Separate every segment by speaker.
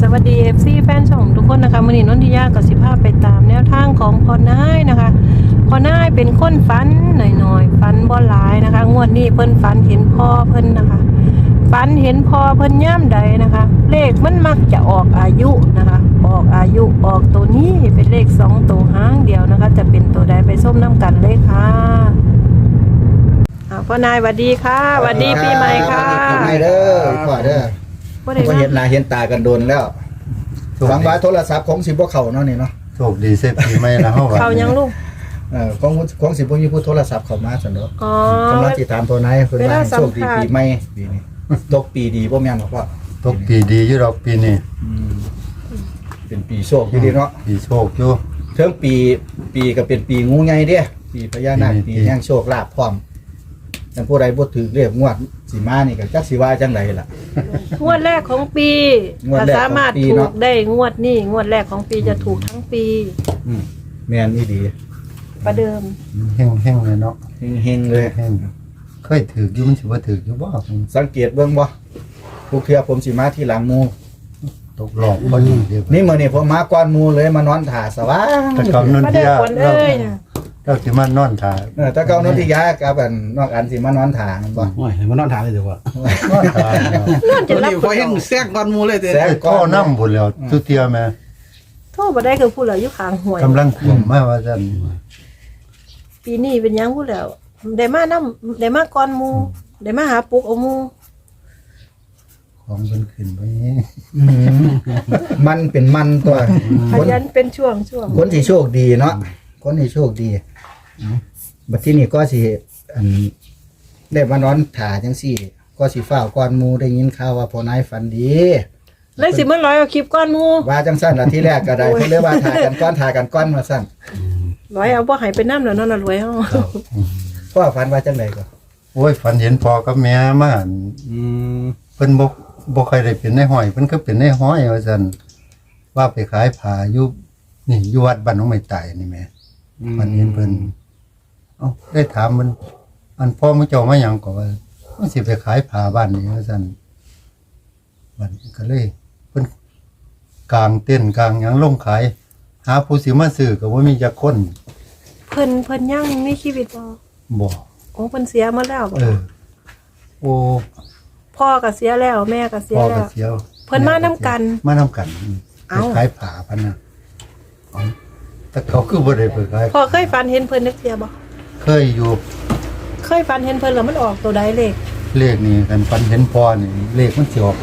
Speaker 1: วัสดี FC แฟนช่องทุกคนนะคะมื้อนี้นนทิยากับสิภาพไปตามแนวทางของพ่อนายนะคะพ่อนายเป็นคนฝันหน่อยๆฝันบ่หลายนะคะงวดนี้เพิ่นฝันเห็นพ่อเพิ่นนะคะฝันเห็นพ่อเพิ่นย่ำใดนะคะเลขมันมักจะออกอายุนะคะออกอายุออกตัวนี้เป็นเลข2ตัวหางเดียวนะคะจะเป็นตัวใดไปส้มน้ำกันเลยค่ะพ่อนายสวัสดีค่ะสวัสดีปีใหม่ค่ะ
Speaker 2: ปีใหม่เด้อพ่อเด้อ
Speaker 1: บ่ได้
Speaker 2: บ่
Speaker 1: มา
Speaker 2: เห็นหน้าเห็นตากันโดนแล้วหวังว่าโทรศัพท์ของสิบ่เข้าเนาะนี่เนาะ
Speaker 3: โชคดีเสร็จปีใหม่แล้วเฮาว่า
Speaker 1: เขายังลูก
Speaker 2: ของสิบ่มีผู้โทรศัพท์เข้ามาซั่นเนาะ
Speaker 1: อ๋อก
Speaker 2: ำลังสิถามตัวนายเพิ่น
Speaker 1: เวลา
Speaker 2: ว่า
Speaker 1: สัม
Speaker 2: โชคดี
Speaker 1: ภาษณ์
Speaker 2: ปีใหม่ปีนี้ตกปีดีบ่แม่นบ่พ่อ
Speaker 3: ตกปีดีอยู่ดอกปีนี้
Speaker 2: เป็นปีโชคอยู่ดีเนาะ
Speaker 3: ปีโชคอยู่
Speaker 2: เทิงปีก็เป็นปีงูใหญ่เด้ปีพญานาคปีแห่งโชคลาภพร้อมแต่ผู้ใดบ่ถูกเรียกงวดสิมานี่ก็จักสิว่าจังไดล่ะ
Speaker 1: งวดแรกของปี
Speaker 2: งวด
Speaker 1: ถ้า
Speaker 2: แรกของปี
Speaker 1: สามารถถู
Speaker 2: เนาะ
Speaker 1: กได้งวดนี้งวดแรกของปีจะถูกทั้งปี
Speaker 2: แม่นอีดี
Speaker 1: ประเดิม
Speaker 3: แห้งๆเลยเนาะ
Speaker 2: เฮงๆเลย
Speaker 3: แห้งเคยถืออยู่มันสิว่าถืออยู่บ่
Speaker 2: สังเกตเบิ่งบ่ผู้เทื่อผมสิมาที่หลังหมู่
Speaker 3: ตกหลอกบ่ดีเด้อ
Speaker 2: นี่มื้อนี้ผมมาก่อนหมู่เลยมานอนท่าสว่าง
Speaker 3: แต่กำนัน
Speaker 1: มา
Speaker 3: เดี
Speaker 1: เด้อย
Speaker 3: ว
Speaker 1: คนเอ้ยน่ะ
Speaker 3: เราสิมานอนถ่า
Speaker 2: ตะเกานนทิยากับอันนอกอันสิมานอนท่ามันบ่
Speaker 4: โอ้ยมานอนทานเลยเดี๋ยวว่าน
Speaker 3: อนถ่าเนาะ
Speaker 1: นอนจะ
Speaker 4: ตอน
Speaker 1: รับ
Speaker 4: นี้พอเห็นแทรกก้อนหมูเลยเด้
Speaker 2: แซ่บ
Speaker 3: ไอ้
Speaker 2: ก้
Speaker 3: ข้
Speaker 2: อ
Speaker 3: อน น้ำบุญแล้วทุเทียแม่
Speaker 1: โทษบ่ได้คือผู้เหลืออยู่ข้างห้วย
Speaker 3: กำลังคุมมาว่าซั่น
Speaker 1: ปีนี้เป็นหยังผู้แล้วได้มานำได้มาก่อนหมู่ได้มาหาปลุกเอาหมู่
Speaker 3: ของเพิ่นขึ้นไปนี่
Speaker 2: มันเป็นมันตัว
Speaker 1: ขยันเป็นช่วง
Speaker 2: คนที่โชคดีเนาะคนที่โชคดีบัดที่นี่ก็สิอันได้มานอนท่าจังซี่ ก็สิฟ้าวก่อนหมู่ได้ยินข่าวว่าพ่อนายฝันดี
Speaker 1: เลยสิมาร้อยเอาคลิปก่อนหมู่
Speaker 2: ว่าจังซั่นล่ะที่แรกก็ได้เพิ่นเลยว่าท่ากันก่อนว่าซั่น
Speaker 1: ร้อยเอาบ่ให้ไปนำแล้วเนาะน่ะรวยเฮา
Speaker 2: พ่อฝันว่าจังไดก็
Speaker 3: โอ้ยฝันเห็นพ่อกับแม่มาอั่น เพิ่นบ่ค่อยได้เป็นในห้อยเพิ่นก็เป็นในห้อยว่าซั่นว่าไปขายผ้าอยู่นี่อยู่วัดบ้านหนองไม้ไต่นี่แหม่มันเห็นเพิ่นเอ้าได้ถามมันอันพ่อมื้อเจ้ามาหยังก็ว่ามันสิไปขายผ้าบ้านนี่ว่าซั่นบัดนี้ก็เลยเพิ่นกลางเต้นท์กลางหยังลงขาย หาผู้สิมาซื้อก็บ่มีจักคน
Speaker 1: เพิ่นยังมีชีวิตบ่
Speaker 3: บ่
Speaker 1: โอ้เพิ่นเสียมาแล้วบ่
Speaker 3: โอ้
Speaker 1: พ่อก็เสียแล้วแม่ก็เสีย
Speaker 3: พ่อ
Speaker 1: แล้
Speaker 3: ก็
Speaker 1: ว
Speaker 3: เสียว
Speaker 1: เพิ่นมานํกัน
Speaker 3: มานํกัน
Speaker 1: เอ้า
Speaker 3: ไปขายผ้าพันน่ะเอ้าแต่เขาคือบ่ได้ไปขาย
Speaker 1: พ่อเคยฝันเห็นเพิ่นนึกเสียบ่
Speaker 3: เคยอยู่
Speaker 1: เคยฝันเห็นเพิ่นแล้วมันออกตัวใดเลข
Speaker 3: เลขนี่กันฟันเห็นพอนี่เลขมันสิออก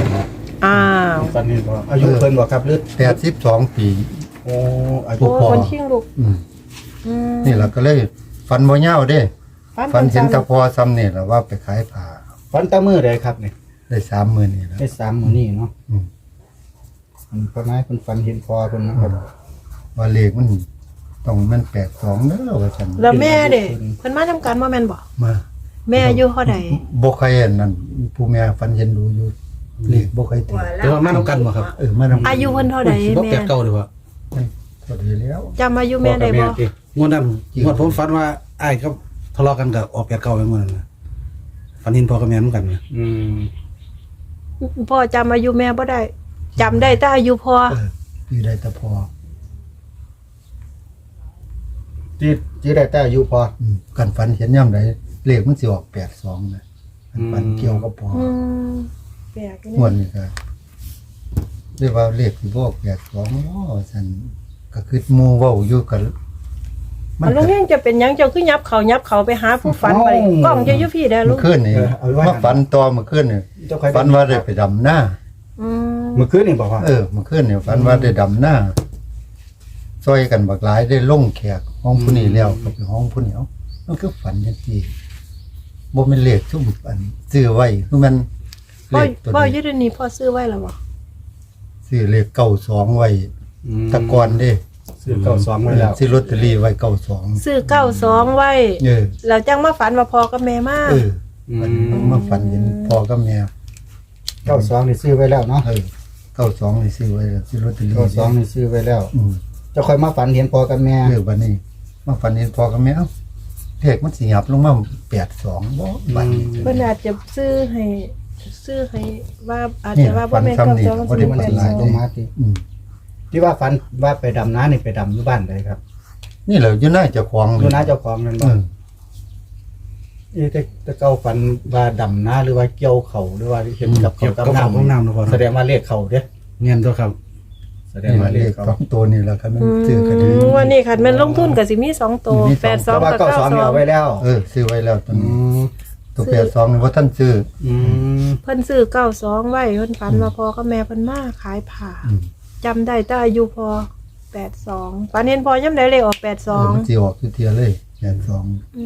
Speaker 3: 82
Speaker 1: อ้าว
Speaker 2: ฝันเห็นบ่อายุเพิ่นบ่ครับหรือ
Speaker 3: 82 ปี
Speaker 2: โอ้อายุ
Speaker 1: โอ้
Speaker 3: พ่อ
Speaker 1: คนชิงลูก
Speaker 3: อืม
Speaker 1: อืม
Speaker 3: นี่ล่ะก็เลยฟันบ่ยาวเด้ฟันเห็นแตะพอซ้ำนี่ล่ะว่าไปขายผ้า
Speaker 2: ฝันแตะมื้อใดครับนี่
Speaker 3: ได้30,000นี่ล่ะ
Speaker 2: ได้3มื้อนี้เนาะ
Speaker 3: อืม
Speaker 2: พ่อนายเพิ่นฝันเห็นพ่อเพิ่นนะครับ
Speaker 3: ว่าเลขมันต้องมัน82เด้อว่าซั่น
Speaker 1: แล้วแม่เด้เพิ่นมานํกันบ่แม่นบ่
Speaker 3: มา
Speaker 1: แม่อายุเท่าใด
Speaker 3: บ่เคยเห็นนั่นผู้แม่ฟันเห็นดูอยู่เลขบ่เคยติด
Speaker 4: แต่ว่ามาน้ำกันบ่ครับ
Speaker 3: มานำ
Speaker 1: อายุเพิ่นเท่าใด
Speaker 4: บ่
Speaker 1: แม่
Speaker 4: แปดเก่าดีกว่า
Speaker 3: ก็ดีแล้ว
Speaker 1: จำอายุแม่ได้บ่
Speaker 4: งวดนั้นงวดผมฝันว่าอ้ายเขาทะเลาะกันกับออกแปดเก่าอย่างนั้นนะฝันเห็นพ่อกับแม่เหมือนกันนะ
Speaker 1: พ่อจำอายุแม่บ่ได้จำได้แต่อายุพ่อ
Speaker 3: คือได้แต่พอ
Speaker 2: ที่ได้แต่อายุพอ
Speaker 3: กันฝันเห็นยามใดเลขมันสิออก82นะกันฝันเกี่ยวกับพอ
Speaker 1: อืมแปลก
Speaker 3: งวดนี้ก็เรียกว่าเลขที่บอกแปดสองสันก็คือหมู่เว้าอยู่กัน
Speaker 1: มันลุงเฮงจะเป็นหยังเจ้าคือยับเขาไปหาผู้ฝันไปกล้องจะอยู่พี่ได้อลุ
Speaker 3: เมื่
Speaker 1: ง
Speaker 3: อคืนนี่มาฝันต่อเมื่อคืนนี่ฝันว่าได้ไปดำหน้า
Speaker 1: อืม
Speaker 2: เมื่อคืนนี่บอกว่า
Speaker 3: เมื่อคืนนี่ฝันว่าได้ดำหน้าซอยกันบักหลายได้ลงแขกห้องผู้นี้แล้วก็ไปห้องผู้นี้เอามันคือฝันจังซี่บ่แม่นเลขซุ่มอันซื้อไว้คือมันเล
Speaker 1: พ่อ
Speaker 3: ขตัว
Speaker 1: พ่ออ
Speaker 3: นี้
Speaker 1: ยู่เดี๋ยวนี้พ่อซื้อไว้แล้วบ่
Speaker 3: ซื้อเลข92ไว้แตะกอนเด้
Speaker 2: ซื้อเก่าซ้อมไว้แล้ว
Speaker 3: ซื้อลอตเตอรี่ไว้92
Speaker 1: ซื้อ92ไว้ แล้วจังมาฝันว่าพ่อกับแม่มา
Speaker 3: มันมาฝันเห็นพ่อกับแม่
Speaker 2: เก่าซ้อมนี่ซื้อไว้แล้วเนาะ
Speaker 3: 92นี่ซื้อไว้แล้วซื้อลอตเตอรี่
Speaker 2: เก่าซ้อมนี่ซื้อไว้แล้ว จะค่อยมาฝันเห็นพ่อกับแม่
Speaker 3: บัดนี้มาฝันเห็นพ่อกับแม่เอ้าเลขมันสิหยับลงมา82บ่บัดนี้
Speaker 1: เพิ่นอาจจะซื้อให้โชซื้อให้ว่าอาจ
Speaker 3: นี่
Speaker 1: จะว่าบ่แม่น
Speaker 3: ฟันซ้ำนี่
Speaker 1: 92
Speaker 3: บ่ได้
Speaker 2: มัน
Speaker 3: ฟั
Speaker 2: สิ
Speaker 3: น
Speaker 2: หลาย
Speaker 1: 82
Speaker 2: ตัวมาติ
Speaker 3: อืม
Speaker 2: ที่ว่าฝันว่าไปดำน้านี่ไปดำอยู่บ้านเลยครับ
Speaker 3: นี่แหละอยู่หน้าเจ้าของ
Speaker 2: อยู่น้าเจ้าของนั่นบ่
Speaker 3: อืม
Speaker 2: แต่เก่าฝันว่าดำน้าหรือว่าเกี่ยวเขาหรือว่าเห็นกับ
Speaker 4: เกี่ยว
Speaker 2: เขา
Speaker 4: กับ
Speaker 2: กับ
Speaker 4: ของ
Speaker 2: น้ำ
Speaker 4: น้ำนะพ่อ
Speaker 2: แสดงว่าเลขเขาเด้อ
Speaker 4: เงี้ยตัวครับ
Speaker 2: แสดง
Speaker 3: นี่
Speaker 2: ว่า
Speaker 3: เล
Speaker 2: เล
Speaker 3: ข
Speaker 2: ขเขา
Speaker 3: สองตัวนี่แหละครับมันซื้อกัน
Speaker 1: อืมวันนี้คันแม่นลงทุนก็สิมี2ตัว
Speaker 3: มีสอง
Speaker 2: แต่
Speaker 1: 82
Speaker 2: ว่า
Speaker 1: กับ
Speaker 2: 92นี่เอาไว้
Speaker 1: 92
Speaker 2: แล้ว
Speaker 3: ซื้อไว้แล้วตอน
Speaker 2: อื
Speaker 3: นี้
Speaker 2: ม
Speaker 3: ตัว82นี่บ่ทันซื้อ
Speaker 2: อืม
Speaker 1: เพิ่นซื้อ92ไว้เพิ่นฝันว่าพ่อกับแม่เพิ่นมาขายผ้า
Speaker 3: อืม
Speaker 1: จำได้แต่อายุพอ82ฝันเห็นพอยามใดเลขออก
Speaker 3: มัน
Speaker 1: 82
Speaker 3: สิออกทุกเที่ยเลย82
Speaker 1: อืม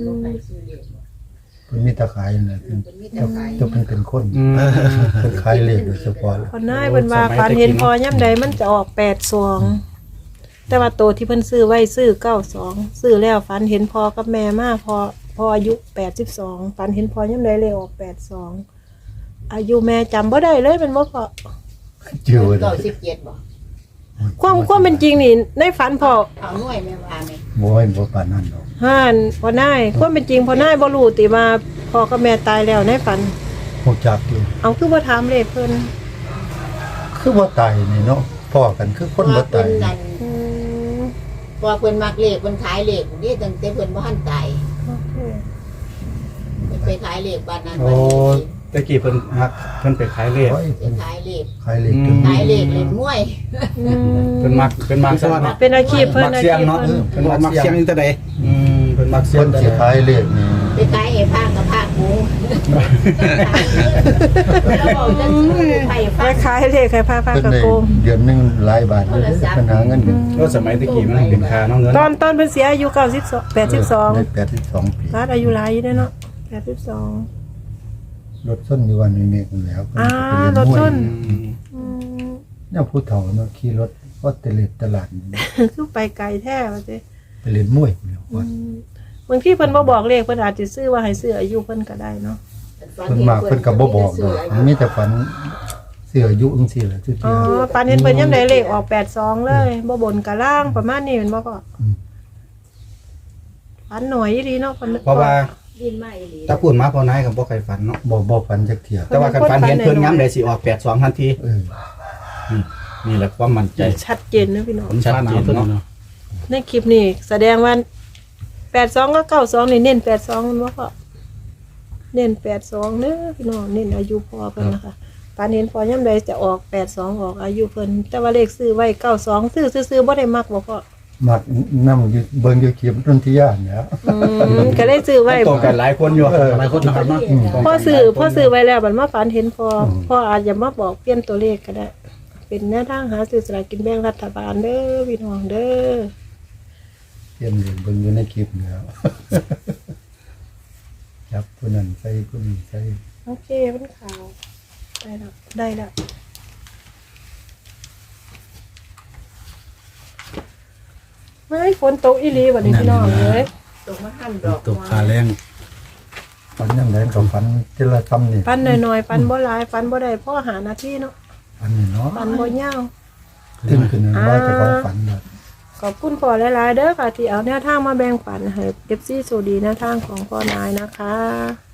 Speaker 3: เพิ่นมีแตะขายนั่นแหละเพิ่นจะเป็นคน
Speaker 2: อืม
Speaker 3: เพิ่นขายเลขโดยเฉพาะเลย
Speaker 1: คนนายเพิ่นว่าฝันเห็นพอยามใดมันจะออก82แต่ว่าตัวที่เพิ่นซื้อไว้ซื้อ92ซื้อแล้วฝันเห็นพอกับแม่มาพออายุ82ฝันเห็นพอยามใดเลขออก82อายุแม่จำบ่ได้เลยเป็นบ่พอ
Speaker 3: ชื่อไว้ได้
Speaker 5: 97บ่
Speaker 1: ความเป็นจริงนี่ในฝันพอ
Speaker 5: เอาหน่วยแม่ว่าแม่
Speaker 3: บ่ปานนั้นดอก
Speaker 1: ห่านพอนายความเป็นจริงพอนายบ่รู้ติว่าพ่อกับแม่ตายแล้วในฝัน
Speaker 3: ฮู้จักอยู่
Speaker 1: เอาคือบ่ถามเลขเพิ่น
Speaker 3: คือบ่ตายนี่เนาะพ้อกันคือคนบ่ตาย
Speaker 5: นั่น
Speaker 1: อืม
Speaker 5: พอเพิ่นมักเลขเพิ่นขายเลขนี่ตั้งแต่เพิ่นบ่ทันตาย
Speaker 1: โอเค
Speaker 5: เพิ่นไปขายเลขบ้านนั้น
Speaker 2: โอ้
Speaker 5: บ้านนี้
Speaker 2: ตะกี้เพิ่นไปขายเลข
Speaker 3: โอ้ย
Speaker 5: ไปขายเลข
Speaker 3: ขายเลขจน
Speaker 5: ขายเลขเล่นมวย
Speaker 1: อืม
Speaker 2: เพิ่นมักซะว่า
Speaker 1: เป็นอาชีพเพิ่น
Speaker 2: มัก
Speaker 1: อา
Speaker 2: เสี
Speaker 1: ชี
Speaker 2: ยง
Speaker 1: พ
Speaker 2: เนาะ
Speaker 1: เพิ่น
Speaker 2: เพิ่น
Speaker 4: บอ
Speaker 2: มั
Speaker 4: ก
Speaker 2: ก
Speaker 4: มัก
Speaker 2: เสี
Speaker 4: เสี
Speaker 2: ย
Speaker 4: ย
Speaker 2: ง
Speaker 4: งนี่แต่ใด
Speaker 2: เพิ่นมักเสีย
Speaker 3: เพิ่
Speaker 2: ง
Speaker 3: นสิขายเลขนี่
Speaker 5: ไปขายไอ้ผ้ากับผ้ากูแล้วบอกจะไป
Speaker 1: ค
Speaker 5: ฟ้า
Speaker 1: ล้ายๆเลขคล้ายๆ
Speaker 3: เพิ่น
Speaker 1: กระ
Speaker 3: ได้
Speaker 1: โกง
Speaker 3: เดือนหนึงหลายบาทเลยเด้อเพิ่นหาเงินกัน
Speaker 2: ก็สมัยตะกี้มันเป็นค่าเนาะเงิน
Speaker 1: ตอนเพิ่นเสียอายุ92
Speaker 3: ได้
Speaker 1: 82
Speaker 3: 82ปี
Speaker 1: รัดอายุหลายอยู่เด้อเนาะ82
Speaker 3: รถส้นอยู่วันนี้เมฆนั่นแหล้ว
Speaker 1: อ่ารถส้น อืม
Speaker 3: เนี่ยผู้เฒ่าเนาะขี่รถก็ตะเลิดตลาด
Speaker 1: คือไปไกลแท้ว่าซิ
Speaker 3: ไปเล่นมวยเนี่ยว่า
Speaker 1: บางทีเพิ่นบ่บอกเลขเพิ่นอาจสิซื้อว่าให้ซื้ออายุเพิ่นก็ได้เนาะ
Speaker 3: เพิ่นมาเพิ่นก็บ่บอกดอกมีแต่ฝันเสื้ออายุจังซี่แหละทุก
Speaker 1: อ๋
Speaker 3: เที่
Speaker 1: อย ปานเห็นเพิ่นยามใดเลขออก82เลยบ่บนกะล่างประมาณนี้แม่นบ่ก็
Speaker 3: อืม
Speaker 1: ฝันหน่อยอีหลีเนาะเพิ่น
Speaker 2: เพราะว่า
Speaker 5: ดินไม้อีหลี
Speaker 2: ถ้าพูดมาพอนายก็บ่ใครฝันเนาะ
Speaker 3: บ่ฝันจักเที่ย
Speaker 2: แต่ว่าคันฝันเห็นเพิ่นย้ำได้สิออก82ทันที
Speaker 3: เออ
Speaker 2: นี่แหละความมั่นใจ
Speaker 1: ชัดเจนเนอะพี่น้อง
Speaker 4: ผมชาหนาวตัวนี้เนาะ
Speaker 1: ในคลิปนี้แสดงว่า82กับ92นี่เน้น82มันบ่ก็เน้น82เด้อพี่น้องเน้นอายุพ่อเพิ่นนะคะปานเห็นพ่อยามใดจะออก82ออกอายุเพิ่นแต่ว่าเลขซื้อไว้92ซื้อบ่ได้มักบ่พ่อ
Speaker 3: มักนำอยู่เบิ่งอยู่คลิปดนตรียานเนี่ย
Speaker 1: ก็เลยซื้อไว้
Speaker 2: ตรงกันหลายคนอยู่
Speaker 4: หลายคนนะครับเนาะ
Speaker 1: พ่อซื้อไว้แล้วบัดมาฝันเห็นพ่ออาจจะมาบอกเปลี่ยนตัวเลขก็ได้ เป็นแนวทางหาซื้อสลากกินแบ่งรัฐบาลเด้อพี่น้องเด้อ
Speaker 3: เตรียมอยู่เบิ่งอยู่ในคลิปเนี่ย จับผู้นั้นใส่ผู้นี้ใส่
Speaker 1: โอเคมันขาวได้แล้วไม่ฝนตกอีหลีบัดนี้พี่น้องเอ้ย
Speaker 5: ตกมาหั่นดอก
Speaker 4: ตกขาแรง
Speaker 3: ฝันยังไงก็ฝันทีละคำนี่
Speaker 1: ปันหน่อยๆปันบ่หลายปันบ่ได้พ่อหาหน้าที่เนาะ
Speaker 3: ฝันนี่เนาะ
Speaker 1: ปันบ่ยาว
Speaker 3: ถึงขึ้นว่าจะเขาฝันเลย
Speaker 1: ขอบคุณพ่อหลายๆเด้อค่ะที่เอาแนวทางมาแบ่งปันให้ FC โซดีแนวทางของพ่อนายนะคะ